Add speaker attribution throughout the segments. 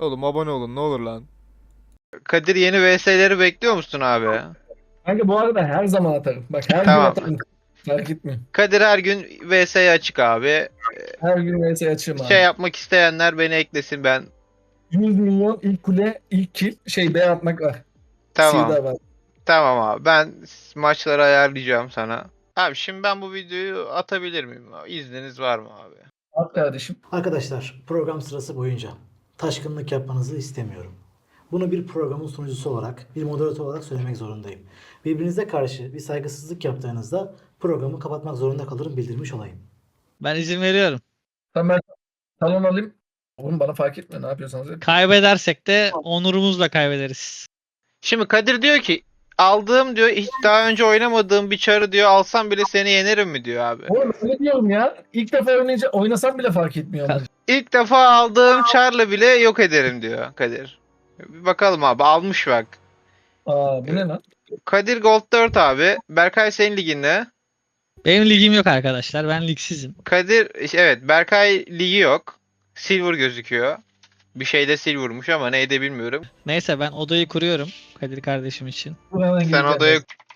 Speaker 1: Oğlum abone olun ne olur lan.
Speaker 2: Kadir yeni VS'leri bekliyor musun abi?
Speaker 3: Kanka bu arada her zaman atarım. Bak her gün
Speaker 2: Tamam.
Speaker 3: atarım. Fark etmiyor.
Speaker 2: Kadir her gün VS'ye açık abi.
Speaker 3: Her gün vs açığım
Speaker 2: Şey
Speaker 3: abi.
Speaker 2: yapmak isteyenler beni eklesin ben.
Speaker 3: 100 milyon ilk kule, ilk kill, B atmak var.
Speaker 2: Tamam.
Speaker 3: Sivda var.
Speaker 2: Tamam abi. Ben maçları ayarlayacağım sana. Abi şimdi ben bu videoyu atabilir miyim? İzniniz var mı abi?
Speaker 3: At kardeşim.
Speaker 4: Arkadaşlar program sırası boyunca taşkınlık yapmanızı istemiyorum. Bunu bir programın sunucusu olarak, bir moderatör olarak söylemek zorundayım. Birbirinize karşı bir saygısızlık yaptığınızda programı kapatmak zorunda kalırım, bildirmiş olayım.
Speaker 5: Ben izin veriyorum.
Speaker 3: Tamam ben talon alayım. Oğlum bana fark etmiyor ne yapıyorsanız yapın.
Speaker 5: Kaybedersek de onurumuzla kaybederiz.
Speaker 2: Şimdi Kadir diyor ki aldığım diyor hiç daha önce oynamadığım bir çarı diyor alsam bile seni yenerim mi diyor abi.
Speaker 3: Oğlum öyle diyorum ya. İlk defa oynasam bile fark etmiyor. onlar.
Speaker 2: İlk defa aldığım çarla bile yok ederim diyor Kadir. Bir bakalım abi almış bak.
Speaker 3: Aa bu ne lan?
Speaker 2: Kadir Gold 4 abi. Berkay senin liginde.
Speaker 5: Benim ligim yok arkadaşlar. Ben ligsizim.
Speaker 2: Kadir evet Berkay ligi yok. Silver gözüküyor. Bir şeyde silver'mış ama neydi bilmiyorum.
Speaker 5: Neyse ben odayı kuruyorum Kadir kardeşim için.
Speaker 3: Buradan
Speaker 2: Sen
Speaker 3: gireceğim.
Speaker 2: odaya...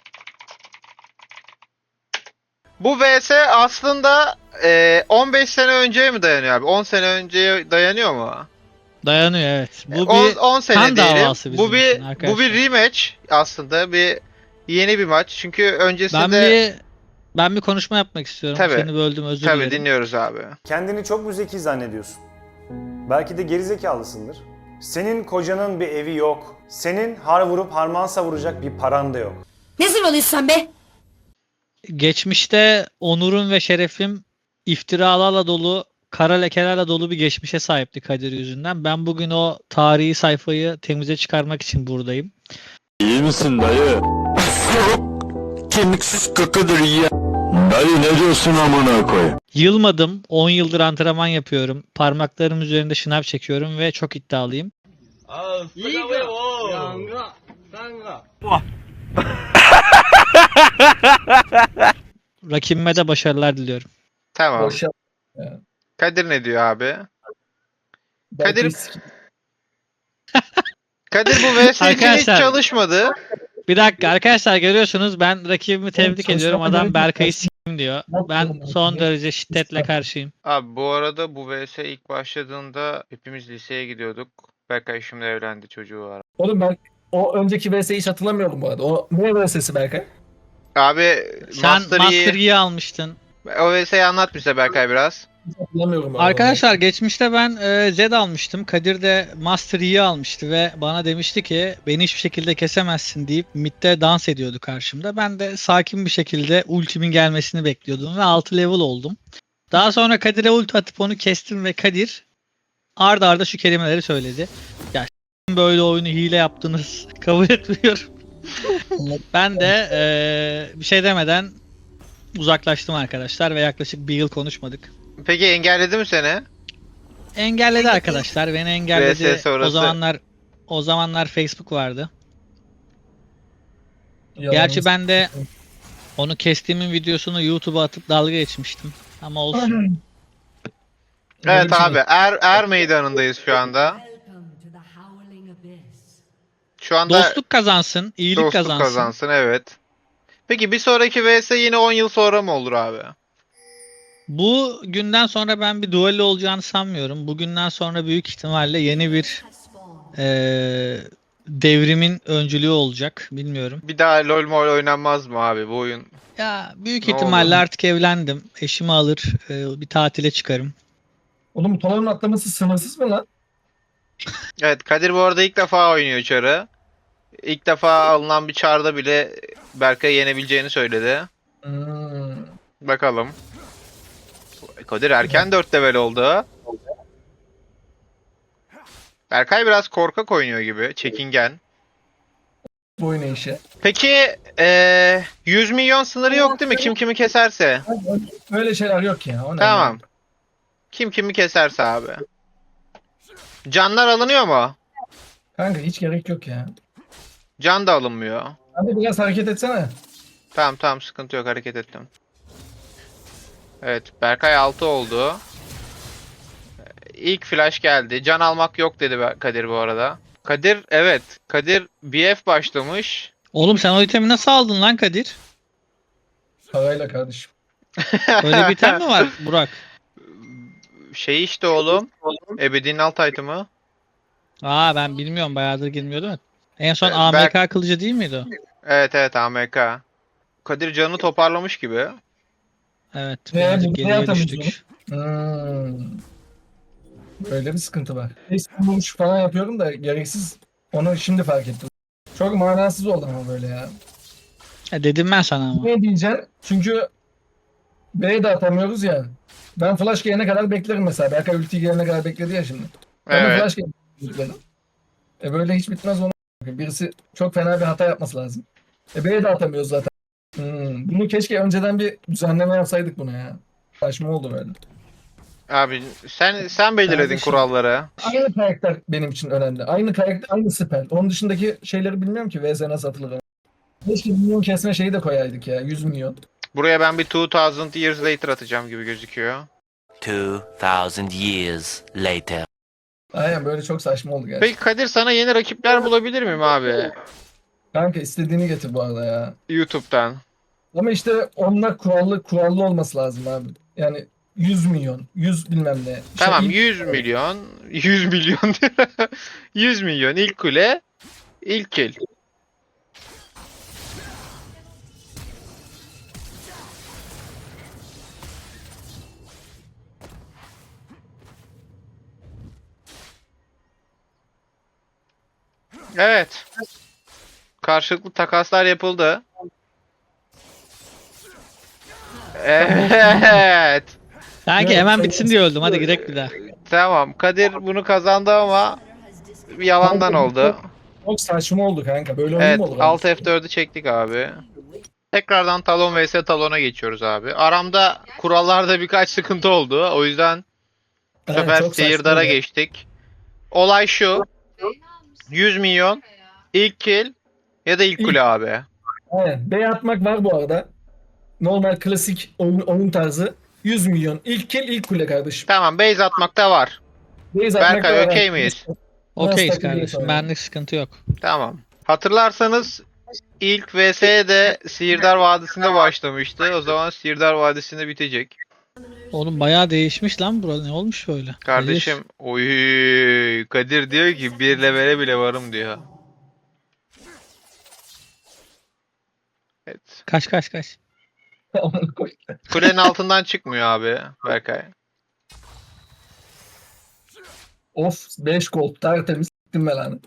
Speaker 2: Bu VS aslında 15 sene önceye mi dayanıyor abi? 10 sene önceye dayanıyor mu?
Speaker 5: Dayanıyor evet. Bu
Speaker 2: 10,
Speaker 5: bir
Speaker 2: 10 sene
Speaker 5: kan
Speaker 2: diyelim.
Speaker 5: davası bizim
Speaker 2: Bu bir
Speaker 5: için arkadaşlar.
Speaker 2: bu bir rematch aslında bir yeni bir maç. Çünkü öncesinde
Speaker 5: ben bir konuşma yapmak istiyorum.
Speaker 2: Tabii.
Speaker 5: Seni böldüm özür
Speaker 2: tabii
Speaker 5: dilerim.
Speaker 2: dinliyoruz abi.
Speaker 6: Kendini çok mu zeki zannediyorsun? Belki de gerizekalısındır. Senin kocanın bir evi yok. Senin har vurup harman savuracak bir paran da yok.
Speaker 7: Ne zırvalıyorsun sen be?
Speaker 5: Geçmişte onurum ve şerefim iftiralarla dolu, kara lekelerle dolu bir geçmişe sahipti Kadir yüzünden. Ben bugün o tarihi sayfayı temize çıkarmak için buradayım.
Speaker 8: İyi misin dayı? Kemiksiz kıkıdır ya. Dayı ne diyorsun amına koy?
Speaker 5: Yılmadım. 10 yıldır antrenman yapıyorum. Parmaklarım üzerinde şınav çekiyorum ve çok iddialıyım. Rakibime de başarılar diliyorum.
Speaker 2: Tamam.
Speaker 3: Boş yap.
Speaker 2: Kadir ne diyor abi?
Speaker 3: Belki
Speaker 2: Kadir-
Speaker 3: risk-
Speaker 2: Kadir bu VS için hiç
Speaker 5: Arkadaşlar-
Speaker 2: çalışmadı.
Speaker 5: Bir dakika arkadaşlar görüyorsunuz ben rakibimi tebrik
Speaker 3: çalışmama
Speaker 5: ediyorum. Adam
Speaker 3: gerek
Speaker 5: Berkay'ı
Speaker 3: yok.
Speaker 5: s**im diyor.
Speaker 3: Yok
Speaker 5: Ben
Speaker 3: oğlum,
Speaker 5: son
Speaker 3: yok.
Speaker 5: derece şiddetle karşıyım.
Speaker 2: Abi bu arada bu VS ilk başladığında hepimiz liseye gidiyorduk. Berkay şimdi evlendi çocuğu var.
Speaker 3: Oğlum ben o önceki vs'yi hiç hatırlamıyorum bu arada. O ne vs'si Berkay?
Speaker 2: Abi
Speaker 5: Sen
Speaker 2: Master
Speaker 5: Master
Speaker 2: Yi
Speaker 5: Yi almıştın.
Speaker 2: o VS'yi anlat bize Berkay biraz.
Speaker 3: Hiç hatırlamıyorum. bu arada.
Speaker 5: Arkadaşlar geçmişte ben Zed almıştım. Kadir de Master Yi almıştı ve bana demişti ki beni hiçbir şekilde kesemezsin deyip midde dans ediyordu karşımda. Ben de sakin bir şekilde ultimin gelmesini bekliyordum ve 6 level oldum. Daha sonra Kadir'e ulti atıp onu kestim ve Kadir arda arda şu kelimeleri söyledi. Ya böyle oyunu hile yaptınız kabul etmiyorum. Ben de bir şey demeden uzaklaştım arkadaşlar ve yaklaşık bir yıl konuşmadık.
Speaker 2: Peki engelledi mi seni?
Speaker 5: Engelledi arkadaşlar. Beni engelledi.
Speaker 2: VS sonrası.
Speaker 5: O zamanlar Facebook vardı.
Speaker 3: Yalanımız-
Speaker 5: Gerçi ben de onu kestiğimin videosunu YouTube'a atıp dalga geçmiştim. Ama olsun.
Speaker 3: Öyle
Speaker 2: Evet
Speaker 3: bir şey
Speaker 2: abi er meydanındayız şu anda. Şu anda
Speaker 5: Dostluk kazansın, iyilik
Speaker 2: dostluk
Speaker 5: kazansın.
Speaker 2: kazansın evet. Peki bir sonraki VS yine 10 yıl sonra mı olur abi?
Speaker 5: Bu günden sonra ben bir duello olacağını sanmıyorum. Bugünden sonra büyük ihtimalle yeni bir devrimin öncülüğü olacak. Bilmiyorum.
Speaker 2: Bir daha LoL mol oynanmaz mı abi bu oyun?
Speaker 5: Ya büyük
Speaker 2: Ne
Speaker 5: ihtimalle
Speaker 2: oldu?
Speaker 5: artık evlendim. Eşimi alır, bir tatile çıkarım.
Speaker 3: Oğlum bu talonun atlaması sınırsız mı lan?
Speaker 2: Evet Kadir bu arada ilk defa oynuyor çarı. İlk defa alınan bir çarda bile Berkay'ı yenebileceğini söyledi.
Speaker 3: Hmm.
Speaker 2: Bakalım. Kadir erken 4 level oldu. Berkay biraz korkak oynuyor gibi. Çekingen.
Speaker 3: Bu oyun işi.
Speaker 2: Peki 100 milyon sınırı yok değil mi? Kim kimi keserse.
Speaker 3: Öyle şeyler yok ya. O ne
Speaker 2: Tamam.
Speaker 3: lan?
Speaker 2: Kim kimi keserse abi. Canlar alınıyor mu?
Speaker 3: Kanka hiç gerek yok ya.
Speaker 2: Can da alınmıyor.
Speaker 3: Hadi biraz hareket etsene.
Speaker 2: Tamam sıkıntı yok hareket ettim. Evet Berkay 6 oldu. ilk flash geldi. Can almak yok dedi Kadir bu arada. Kadir evet. Kadir BF başlamış.
Speaker 5: Oğlum sen o itemi nasıl aldın lan Kadir?
Speaker 3: Parayla kardeşim.
Speaker 5: Öyle bir item mi var Burak?
Speaker 2: Şey işte oğlum. Ebedi'nin alt item'ı.
Speaker 5: Aa ben bilmiyorum bayağıdır girmiyordum. Evet. En son
Speaker 2: Ben-
Speaker 5: AMK kılıcı değil miydi o?
Speaker 2: Evet evet AMK. Kadir canını toparlamış gibi.
Speaker 5: Evet
Speaker 3: Ne,
Speaker 5: birazcık
Speaker 3: bu ne
Speaker 5: geriye
Speaker 3: atamıyoruz
Speaker 5: düştük.
Speaker 3: Böyle bir sıkıntı var. Vuruş falan yapıyorum da gereksiz. Onu şimdi fark ettim. Çok manasız oldu ama böyle ya.
Speaker 5: Dedim ben sana ama.
Speaker 3: Ne diyeceksin? Çünkü B'ye de atamıyoruz ya. Ben flash gelene kadar beklerim mesela. Berkay ulti gelene kadar bekledi ya şimdi. Ben de
Speaker 2: Evet.
Speaker 3: flash gelene kadar bekledim. Böyle hiç bitmez onu. Birisi çok fena bir hata yapması lazım. B'ye de atamıyoruz zaten. Bunu keşke önceden bir düzenleme yapsaydık buna ya. Saçma oldu böyle.
Speaker 2: Abi sen belirledin
Speaker 3: Kardeşim.
Speaker 2: kuralları.
Speaker 3: Aynı karakter benim için önemli. Aynı karakter, aynı spell. Onun dışındaki şeyleri bilmiyorum ki VS nasıl atılır. Keşke milyon kesme şeyi de koyaydık ya. 100 milyon.
Speaker 2: Buraya ben bir 2000 years later atacağım gibi gözüküyor.
Speaker 1: 2,000 years later.
Speaker 3: Aynen böyle çok saçma oldu gerçekten.
Speaker 2: Peki Kadir sana yeni rakipler bulabilir miyim abi?
Speaker 3: Kanka istediğini getir bu arada ya.
Speaker 2: YouTube'dan.
Speaker 3: Ama işte onlar kurallı olması lazım abi. Yani 100 milyon, 100 bilmem ne.
Speaker 2: Tamam
Speaker 3: İlk-
Speaker 2: 100 milyon. 100 milyon. 100 milyon ilk kule. İlk kill. Evet. Karşılıklı takaslar yapıldı. Evet.
Speaker 5: Sanki
Speaker 3: Evet,
Speaker 5: hemen
Speaker 3: evet.
Speaker 5: bitsin diye öldüm. Hadi girek bir daha.
Speaker 2: Tamam. Kadir bunu kazandı ama bir yalandan oldu.
Speaker 3: Çok saçma oldu kanka. Böyle oyun
Speaker 2: Evet.
Speaker 3: mu olur?
Speaker 2: Alt F4'ü çektik abi. Tekrardan Talon vs Talon'a geçiyoruz abi. Aramda kurallarda birkaç sıkıntı oldu. O yüzden bu
Speaker 3: Aynen,
Speaker 2: sefer
Speaker 3: çok saçma
Speaker 2: Sihirdar'a
Speaker 3: ya.
Speaker 2: geçtik. Olay şu. 100 milyon ilk kill ya da ilk kule abi.
Speaker 3: Aynen. B atmak var bu arada. Normal klasik oyun tarzı. 100 milyon. İlk kill ilk kule kardeşim.
Speaker 2: Tamam base atmakta var.
Speaker 3: Base atmak
Speaker 2: Berkay
Speaker 3: da var.
Speaker 2: okey miyiz?
Speaker 5: Okeyiz
Speaker 3: Nasıl
Speaker 5: kardeşim.
Speaker 3: takılıyorsa
Speaker 5: Benlik sıkıntı yok.
Speaker 2: Tamam. Hatırlarsanız ilk VS'ye de Sihirdar Vadisi'nde başlamıştı. O zaman Sihirdar Vadisi'nde bitecek.
Speaker 5: Oğlum bayağı değişmiş lan burada. Ne olmuş böyle?
Speaker 2: Kardeşim oy Kadir diyor ki bir levele bile varım diyor. Evet.
Speaker 5: Kaç.
Speaker 3: Amına koy.
Speaker 2: Kulenin altından çıkmıyor abi Berkay.
Speaker 3: Of 5 gold tertemiz s**tim ben lan.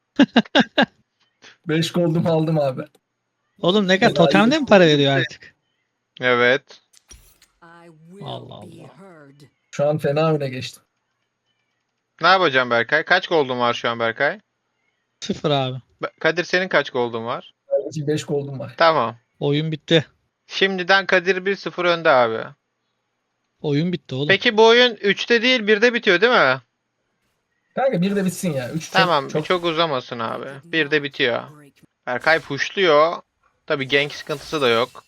Speaker 3: 5 goldumu aldım abi.
Speaker 5: Oğlum ne kadar totemde mi para veriyor artık?
Speaker 2: Evet.
Speaker 5: Allah Allah.
Speaker 3: Şu an fena öne geçtim.
Speaker 2: Ne yapacağım Berkay? Kaç gold'un var şu an Berkay?
Speaker 5: 0 abi.
Speaker 2: Kadir senin kaç gold'un var?
Speaker 3: Kardeşim 5 goldum var.
Speaker 2: Tamam.
Speaker 5: Oyun bitti.
Speaker 2: Şimdiden Kadir 1-0 önde abi.
Speaker 5: Oyun bitti oğlum.
Speaker 2: Peki bu oyun 3'te değil 1'de bitiyor değil mi?
Speaker 3: Kanka bir de bitsin ya. 3
Speaker 2: Tamam
Speaker 3: çok
Speaker 2: çok uzamasın abi. 1'de bitiyor. Berkay pushluyor. Tabi gank sıkıntısı da yok.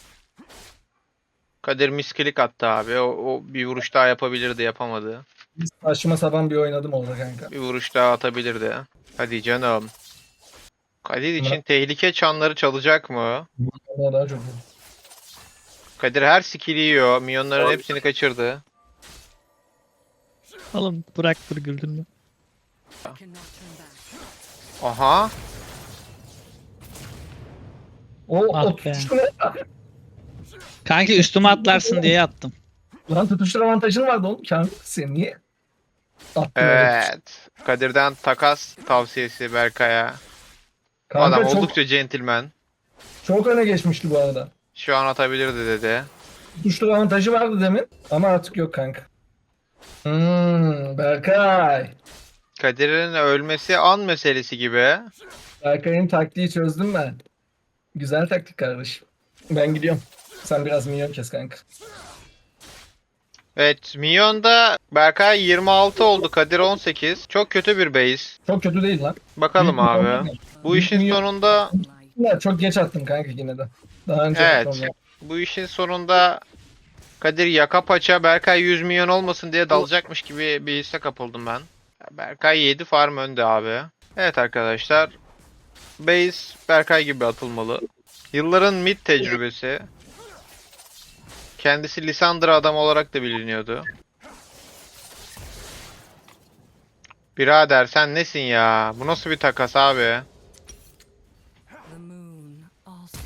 Speaker 2: Kadir miskilik attı abi. O bir vuruş daha yapabilirdi yapamadı.
Speaker 3: saçma sapan bir oynadım orada kanka.
Speaker 2: Bir vuruş daha atabilirdi. Hadi canım. Kadir için tehlike çanları çalacak mı?
Speaker 3: Onlar daha çok iyi.
Speaker 2: Kadir her skill'i yiyor. Minyonların hepsini kaçırdı.
Speaker 5: Oğlum bırak dur güldürme.
Speaker 2: Aha.
Speaker 3: O
Speaker 5: Ah be.
Speaker 3: tutuştur ne?
Speaker 5: Kanki üstüme atlarsın diye attım.
Speaker 3: Lan tutuştur avantajın vardı oğlum. Kamil sen niye? Attın öyle tutuştur.
Speaker 2: Evet. Kadir'den takas tavsiyesi Berkay'a.
Speaker 3: Kanka
Speaker 2: Adam
Speaker 3: çok,
Speaker 2: oldukça centilmen.
Speaker 3: çok öne geçmişti bu arada.
Speaker 2: Şu an atabilirdi dedi.
Speaker 3: Tutuştur avantajı vardı demin ama artık yok kanka. Berkay.
Speaker 2: Kadir'in ölmesi an meselesi gibi.
Speaker 3: Berkay'ın taktiği çözdüm ben. Güzel taktik kardeşim. Ben gidiyorum. Sen biraz minyon kes kanka.
Speaker 2: Evet, Minyon'da Berkay 26 oldu, Kadir 18. Çok kötü bir base.
Speaker 3: Çok kötü değil lan.
Speaker 2: Bakalım
Speaker 3: Büyük
Speaker 2: abi.
Speaker 3: minyon.
Speaker 2: Bu
Speaker 3: Büyük
Speaker 2: işin
Speaker 3: minyon.
Speaker 2: sonunda
Speaker 3: Ya çok geç attım kanka yine de. Daha önce
Speaker 2: Evet.
Speaker 3: attım ya.
Speaker 2: bu işin sonunda Kadir yaka paça Berkay 100 milyon olmasın diye dalacakmış gibi bir hisse kapıldım ben. Berkay 7 farm önde abi. Evet arkadaşlar. Base Berkay gibi atılmalı. Yılların mid tecrübesi. Kendisi Lissandra adam olarak da biliniyordu. Birader sen nesin ya? Bu nasıl bir takas abi?
Speaker 7: The moon also.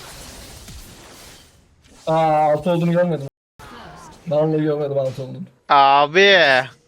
Speaker 3: Altı olduğunu görmedim. Vallahi görmedim altı olduğunu.
Speaker 2: Abi.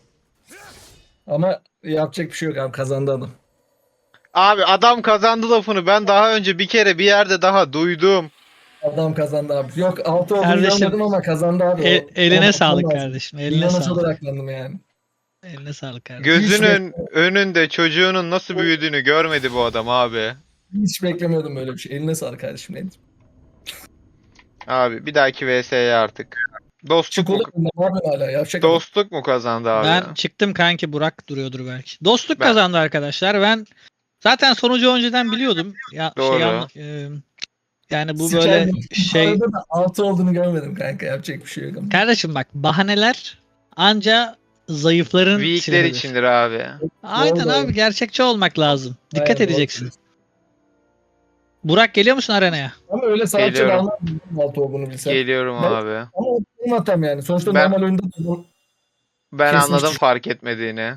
Speaker 3: Ama yapacak bir şey yok abi, kazandı adam.
Speaker 2: Abi adam kazandı lafını ben daha önce bir kere bir yerde daha duydum.
Speaker 3: Adam kazandı abi. Yok altı olduğunu
Speaker 5: Kardeşim,
Speaker 3: görmedim ama kazandı abi.
Speaker 5: Eline
Speaker 3: Onu
Speaker 5: sağlık
Speaker 3: atmam lazım.
Speaker 5: kardeşim. Eline
Speaker 3: Milyona
Speaker 5: sağlık.
Speaker 3: odaklandım yani.
Speaker 5: Eline sağlık kardeşim.
Speaker 2: Gözünün önünde çocuğunun nasıl büyüdüğünü görmedi bu adam abi.
Speaker 3: Hiç beklemiyordum böyle bir şey. Eline sağlık kardeşim benim.
Speaker 2: Abi bir dahaki VS'ye artık. Dostluk
Speaker 3: Çık
Speaker 2: mu,
Speaker 3: oğlum. Ne yapıyorsun hala? Yapacak adam.
Speaker 2: dostluk mu kazandı abi?
Speaker 5: Ben çıktım kanki, Burak duruyordur belki. Dostluk
Speaker 2: Ben-
Speaker 5: kazandı arkadaşlar. Ben zaten sonucu önceden biliyordum. Ya
Speaker 2: Doğru.
Speaker 5: yani bu böyle
Speaker 3: Sikerim.
Speaker 5: şey,
Speaker 3: Arada da altı olduğunu görmedim kanka. Yapacak bir şey yok ama.
Speaker 5: kardeşim bak, bahaneler anca zayıfların
Speaker 2: Weakler
Speaker 5: silahıdır.
Speaker 2: içindir abi.
Speaker 5: Aynen
Speaker 3: Doğru.
Speaker 5: abi, gerçekçi olmak lazım. Dikkat
Speaker 3: Aynen, doğru
Speaker 5: edeceksin.
Speaker 3: diyorsun.
Speaker 5: Burak geliyor musun arenaya?
Speaker 3: Ama öyle salakça
Speaker 2: Geliyorum.
Speaker 3: davranmadım altı olduğunu bilsem.
Speaker 2: Geliyorum
Speaker 3: Ben-
Speaker 2: abi.
Speaker 3: Ama benim hatam yani. Sonuçta
Speaker 2: Ben-
Speaker 3: normal oyunda bunu
Speaker 2: Ben
Speaker 3: Kesin
Speaker 2: anladım
Speaker 3: suç.
Speaker 2: fark etmediğini.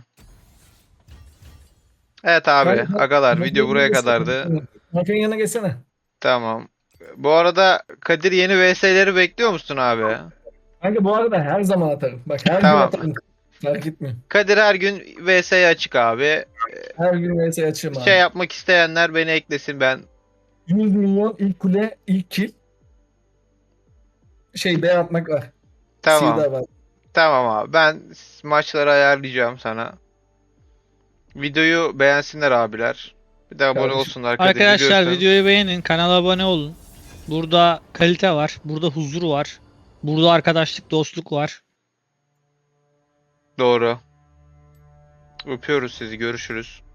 Speaker 2: Evet abi,
Speaker 3: Ben-
Speaker 2: agalar video buraya kadardı.
Speaker 3: Hakan yanına geçsene.
Speaker 2: Tamam. Bu arada Kadir yeni VS'leri bekliyor musun abi?
Speaker 3: Kanka bu arada her zaman atarım. Bak her
Speaker 2: Tamam.
Speaker 3: gün atarım. Fark etmiyor.
Speaker 2: Kadir her gün VS'ye açık abi.
Speaker 3: Her gün vs açayım abi.
Speaker 2: Şey yapmak isteyenler beni eklesin ben.
Speaker 3: 100 milyon ilk kule, ilk kill. Şey B atmak var.
Speaker 2: Tamam.
Speaker 3: C'de var.
Speaker 2: Tamam abi. Ben maçları ayarlayacağım sana. Videoyu beğensinler abiler. Bir de abone
Speaker 3: Kardeşim.
Speaker 2: olsunlar Kadir
Speaker 5: Arkadaşlar
Speaker 2: biliyorsun.
Speaker 5: videoyu beğenin, kanala abone olun. Burada kalite var, burada huzur var. Burada arkadaşlık, dostluk var.
Speaker 2: Doğru. Öpüyoruz sizi. Görüşürüz.